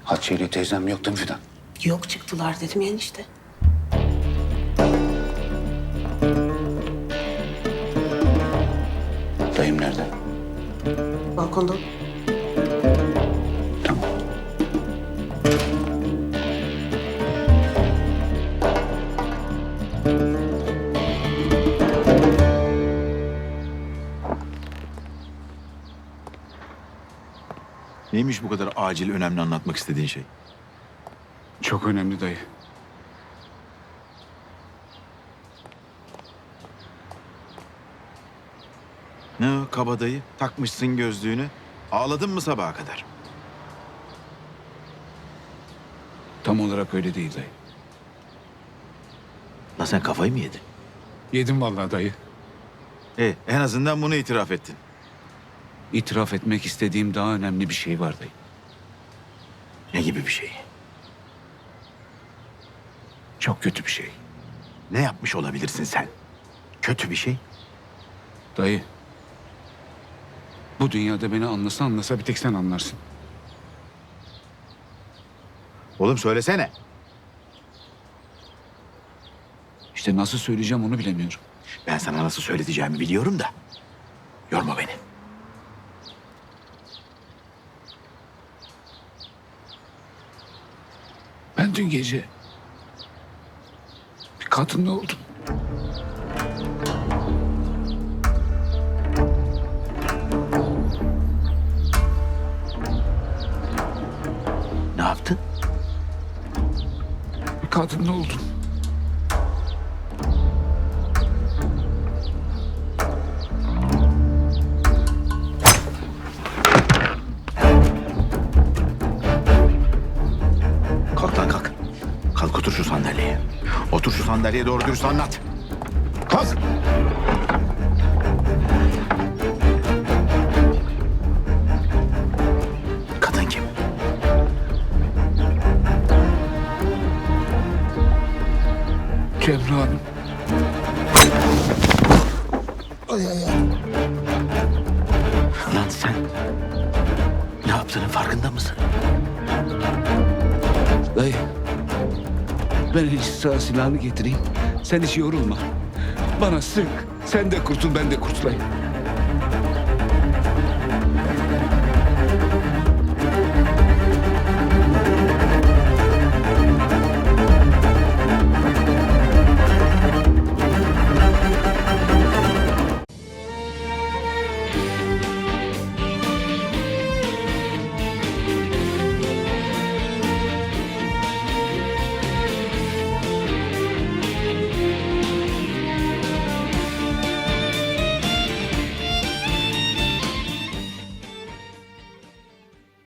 Hatice ile teyzem yok değil mi Fidan? Yok, çıktılar dedim ya enişte. Dayım nerede? Balkonda. Tamam. Neymiş bu kadar acil, önemli anlatmak istediğin şey? Çok önemli dayı. Ne o kabadayı? Takmışsın gözlüğünü. Ağladın mı sabaha kadar? Tam olarak öyle değil dayı. Lan sen kafayı mı yedin? Yedim vallahi dayı. En azından bunu itiraf ettin. İtiraf etmek istediğim daha önemli bir şey var dayı. Ne gibi bir şey? Çok kötü bir şey. Ne yapmış olabilirsin sen? Kötü bir şey. Dayı. Bu dünyada beni anlasa bir tek sen anlarsın. Oğlum söylesene. İşte nasıl söyleyeceğim onu bilemiyorum. Ben sana nasıl söyleteceğimi biliyorum da. Yorma beni. Ben dün gece bir kadınla oldum. Ne yaptın? Bir kadınla oldum. Kalk lan kalk. Kalk otur şu sandalyeye. Otur şu sandalyeye, doğru dürüst anlat. Kalk. Kadın kim? Cemre Hanım. Lan sen ne yaptığının farkında mısın? Dayı. Ben hiç sağ silahını getireyim. Sen hiç yorulma. Bana sık. Sen de kurtul, ben de kurtulayım.